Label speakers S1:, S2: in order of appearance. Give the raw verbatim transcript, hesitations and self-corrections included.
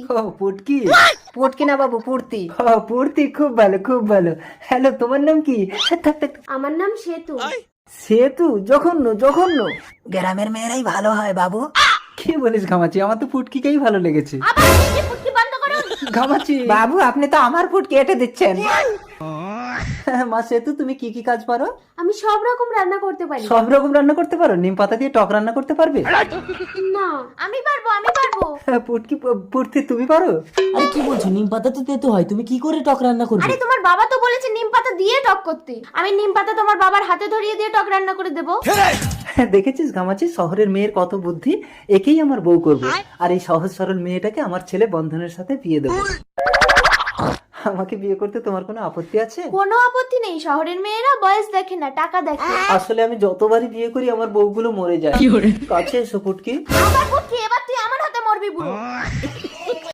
S1: ও পুটকি।
S2: পুটকি না বাবু, পূর্তি।
S1: ও পূর্তি, খুব ভালো খুব ভালো। হ্যালো, তোমার নাম কি? থাক, থাক, থাক।
S3: আমার নাম সেতু।
S1: সেতু? জঘন্য জঘন্য।
S2: গ্রামের মেয়েরাই ভালো হয় বাবু।
S1: কি বলিস ঘামাচি? আমার তো পুটকিকেই ভালো লেগেছে।
S3: আবার এই পুটকি বন্ধ করুন।
S1: ঘামাচি।
S2: বাবু আপনি তো আমার পুটকি এঁটে দিচ্ছেন।
S1: মা সেতু, তুমি কি কি কাজ পারো?
S3: আমি সব রকম রান্না করতে পারি।
S1: সব রকম রান্না করতে পারো? নিম পাতা দিয়ে টক রান্না করতে পারবে?
S3: না, আমি পারবো, আমি পারবো।
S1: পুটকি, পুটকি তুমি পারো?
S4: আরে কি বলছো, নিম পাতা তো তেতো হয়, তুমি কি করে টক রান্না করবে?
S3: আরে তোমার বাবা তো বলেছে নিম পাতা দিয়ে টক করতে। আমি নিম পাতা তোমার বাবার হাতে ধরিয়ে দিয়ে টক রান্না করে দেবো।
S1: দেখেছিস ঘামাচি, শহরের মেয়ের কত বুদ্ধি। একেই আমার বউ করবো, আর এই সহজ সরল মেয়েটাকে আমার ছেলে বন্ধনের সাথে বিয়ে দেবো। আমাকে বিয়ে করতে তোমার কোনো আপত্তি আছে?
S3: কোনো আপত্তি নেই, শহরের মেয়েরা বয়স দেখে না, টাকা দেখে।
S1: আসলে আমি যতবারই বিয়ে করি আমার বউগুলো মরে যায়। কাছে এসো পুটকি।
S3: আবার পুটকি, এবার তুই আমার হাতে মরবি বুড়ো।